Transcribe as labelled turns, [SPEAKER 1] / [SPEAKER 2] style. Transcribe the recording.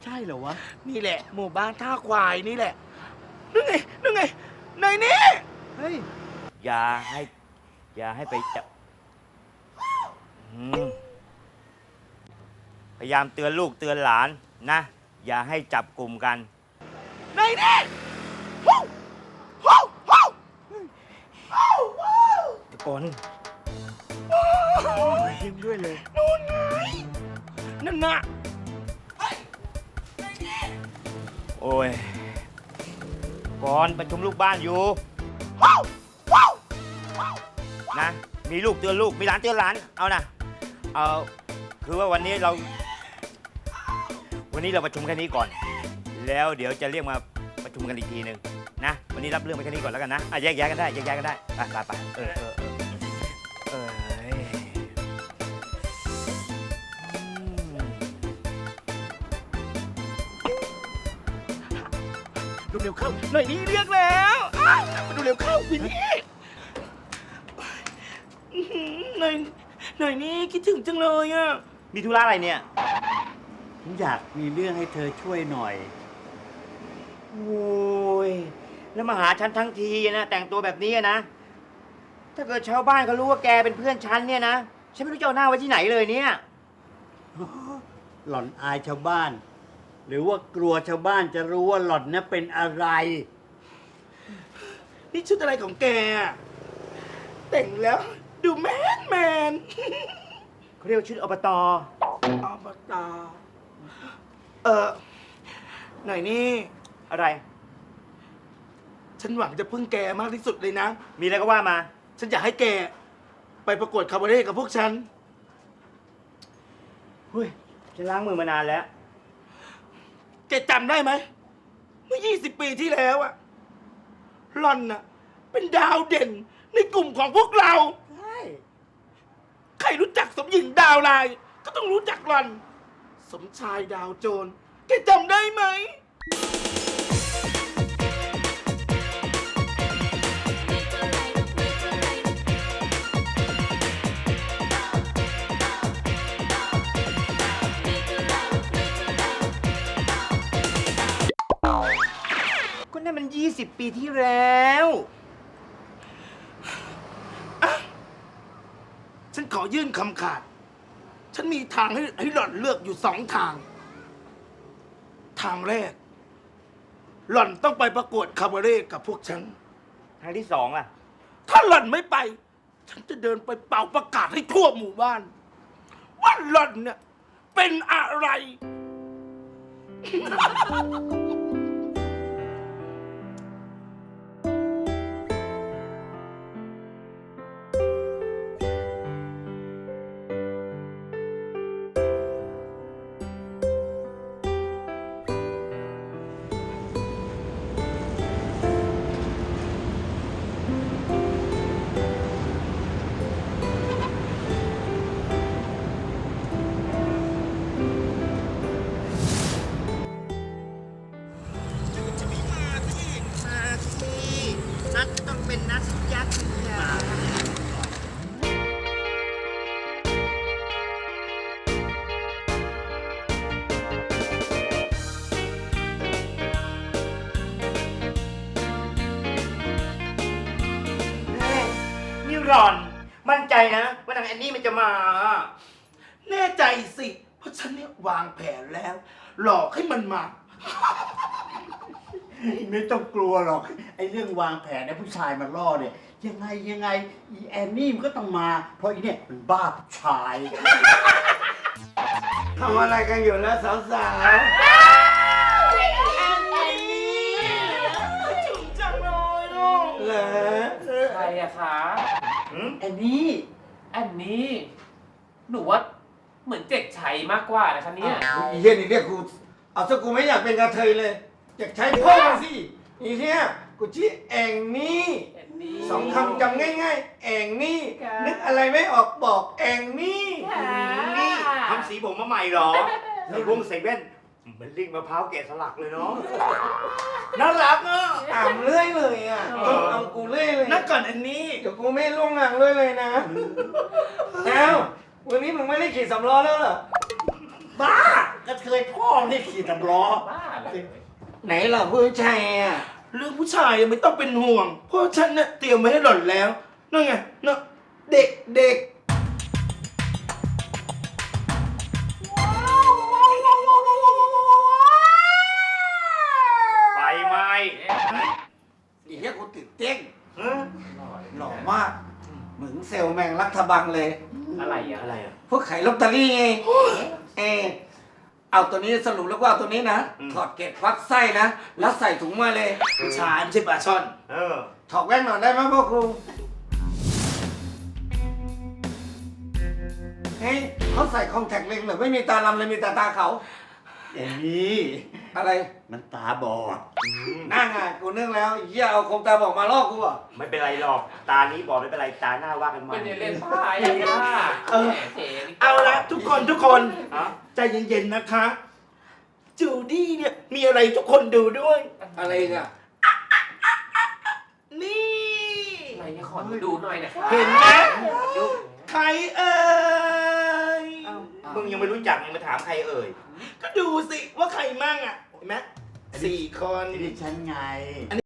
[SPEAKER 1] ช่เหรอวะ
[SPEAKER 2] นี่แหละหมู่บ้านท่าควายนี่แหละนั่นไงนั่นไงในนี้
[SPEAKER 1] เฮ้ย
[SPEAKER 3] อย่าให้ไปจับพยายามเตือนลูกเตือนหลานนะ อย่าให้จับกลุ่มกัน
[SPEAKER 2] ในนี้ฮู้ฮู้ฮู้ฮู้ฮู้
[SPEAKER 3] ตะโกน
[SPEAKER 1] ยิ้มด้วยเลย
[SPEAKER 2] นู่นไงนั่นน่ะ
[SPEAKER 3] โอ้ยก่อนประชุมลูกบ้านอยู่
[SPEAKER 2] ฮู้ฮู้
[SPEAKER 3] นะ มีลูกเตือนลูก มีหลานเตือนหลาน เอานะ คือว่าวันนี้เราประชุมแค่นี้ก่อน แล้วเดี๋ยวจะเรียกมาประชุมกันอีกทีหนึ่งนะ วันนี้รับเรื่องไปแค่นี้ก่อนแล้วกันนะแยกย้ายกันได้ไป
[SPEAKER 2] ดูเร็วเข้าหน่อยนี่เรียกแล้วมาดูเร็วเข้าวินนี่หน่อยนี่คิดถึงจังเลยอ่ะ
[SPEAKER 3] มีธุระอะไรเนี่ย
[SPEAKER 1] ผมอยากมีเรื่องให้เธอช่วยหน่อย
[SPEAKER 3] โอ้ย แล้วมาหาฉันทั้งทีนะ แต่งตัวแบบนี้นะ ถ้าเกิดชาวบ้านเขารู้ว่าแกเป็นเพื่อนฉันเนี่ยนะ ฉันไม่รู้จะเอาหน้าไว้ที่ไหนเลยเนี่ย
[SPEAKER 1] หล่อนอายชาวบ้าน หรือว่ากลัวชาวบ้านจะรู้ว่าหล่อนน่ะเป็นอะไร
[SPEAKER 2] นี่ชุดอะไรของแกอะแต่งแล้วดูแมน
[SPEAKER 3] เขาเรียกว่าชุดอบต.
[SPEAKER 2] อบตหน่อยนี่
[SPEAKER 3] อะไร
[SPEAKER 2] ฉันหวังจะพึ่งแกมากที่สุดเลยนะ
[SPEAKER 3] มีอะไรก็ว่ามา
[SPEAKER 2] ฉันอยากให้แกไปประกวดคาบาเร่กับพวกฉัน
[SPEAKER 3] เฮ้ย ฉันล้างมือมานานแล้ว
[SPEAKER 2] แกจำได้ไหมเมื่อ 20 ปีที่แล้วอะหล่อนน่ะเป็นดาวเด่นในกลุ่มของพวกเรา
[SPEAKER 1] ใช่
[SPEAKER 2] ใครรู้จักสมหญิงดาวลาย ก็ต้องรู้จักหล่อน สมชายดาวโจร แกจำได้ไหม
[SPEAKER 3] ก็นั่นมัน 20 ปีที่แล้ว
[SPEAKER 2] ฉันขอยื่นคำขาด ฉันมีทางให้หล่อนเลือกอยู่2 ทาง ทางแรก หล่อนต้องไปประกวดคาบาเร่กับพวกฉัน
[SPEAKER 3] ทางที่สองล่ะ
[SPEAKER 2] ถ้าหล่อนไม่ไป ฉันจะเดินไปเป่าประกาศให้ทั่วหมู่บ้าน ว่าหล่อนเนี่ยเป็นอะไร
[SPEAKER 3] นัดต้องเป็นนัดยักษ์นี่หล่อน มั่นใจนะว่านางแอนนี่มันจะมา
[SPEAKER 2] แน่ใจสิ เพราะฉันเนี่ยวางแผนแล้ว หลอกให้มันมา
[SPEAKER 1] ไม่ต้องกลัวหรอก ไอ้เรื่องวางแผนไอ้ผู้ชายมาล่อเนี่ย ยังไงอีแอนนี่มันก็ต้องมา เพราะอีเนี่ยมันบ้าผู้ชาย
[SPEAKER 2] ทำอะไรกันอยู่แล้วสาวๆแอนนี่ถึงจังเลยลูกเหรอ
[SPEAKER 4] ใครอะคะ
[SPEAKER 1] แอนนี่
[SPEAKER 4] อันนี้ หนูว่าเหมือนเจ็กชัยมากกว่านะคะเนี่ย
[SPEAKER 5] อีเหี้ยนี่เรียกกูเอาซะกูไม่อยากเป็นกระเทยเลยอยากใช้พ่อมาสิอีเหี้ยกูชื่อแองนี่
[SPEAKER 4] แอนนี่
[SPEAKER 5] 2 คำจำง่ายๆแองนี่
[SPEAKER 4] ค่ะ
[SPEAKER 5] นึกอะไรไม่ออกบอกแองนี่
[SPEAKER 4] ค่ะ
[SPEAKER 3] นี่ทำสีผมมาใหม่เหรอใส่วงใส่แว่นเหมือนลิงมะพร้าวแกะสลักเลยเนาะ
[SPEAKER 2] น่ารักอ่ะ
[SPEAKER 5] อ่ำเรื่อยเลยอ่ะต้องเอากูเรื่อยเลย
[SPEAKER 2] นักก่อนอันนี้
[SPEAKER 5] เดี๋ยวกูไม่ล่วงหลังเลยนะเอ้าวันนี้มึงไม่ได้ขี่สำล้อแล้วเหรอ
[SPEAKER 2] บ้า
[SPEAKER 1] กระเทยพ่อนี่ขี่ตำล้อ
[SPEAKER 4] บ้าเลย
[SPEAKER 5] ไหนล่ะผู้ชายอ่ะ
[SPEAKER 2] เรื่องผู้ชายไม่ต้องเป็นห่วง เพราะฉันเนี่ยเตรียมไว้ให้หล่อนแล้วนั่นไงเนาะเด็กเด็ก
[SPEAKER 3] ไฟไหม้
[SPEAKER 5] อีเหี้ยกูตื่นเต้น
[SPEAKER 3] เอ้อ
[SPEAKER 5] หล่อมากเหมือนเซลล์แมงรัฐบังเลย
[SPEAKER 4] อะไรอ่ะ
[SPEAKER 3] อะไรอ่ะ
[SPEAKER 5] พวกขายลอตเตอรี่ไงเอาตัวนี้สรุปแล้วก็เอาตัวนี้นะ ถอดเกล็ดฟักไส้นะ แล้วใส่ถุงมาเลย
[SPEAKER 2] ผู้ชายไม่ใช่ปลาช่อน
[SPEAKER 3] เออ
[SPEAKER 5] ถอดแว่นหน่อยได้ไหมพ่อครูเฮ้ยเขาใส่คอนแทคเลนส์เหรือไม่มีตาลำเลยมีแต่ตาเขา
[SPEAKER 1] แอนนี่
[SPEAKER 5] อะไร
[SPEAKER 1] มันตาบอด
[SPEAKER 5] นั่งไงกูนึกแล้วไอ้เหี้ยเอาคมตาบอกมาลอกกูอ่ะ
[SPEAKER 3] ไม่เป็นไรหรอก ตานี้บอกไม่เป็นไร ตาหน้าว่ากันใหม่
[SPEAKER 4] เป็นเล่นผ้าอย่างนี้
[SPEAKER 2] เออ เอาละทุกคน
[SPEAKER 3] ฮะ
[SPEAKER 2] ใจเย็นๆนะคะ จูดี้เนี่ยมีอะไรทุกคนดูด้วย
[SPEAKER 5] อะไรอ่ะ
[SPEAKER 2] นี่
[SPEAKER 4] อะไรเนี่ยขอดูหน่อยนะคะ
[SPEAKER 2] เห็นไหมใครเอ่ย
[SPEAKER 3] มึงยังไม่รู้จักยังมาถามใครเอ่ย
[SPEAKER 2] ก็ดูสิว่าใครมั่งอ่ะเห็นไหม4 คน
[SPEAKER 1] นี่ฉันไง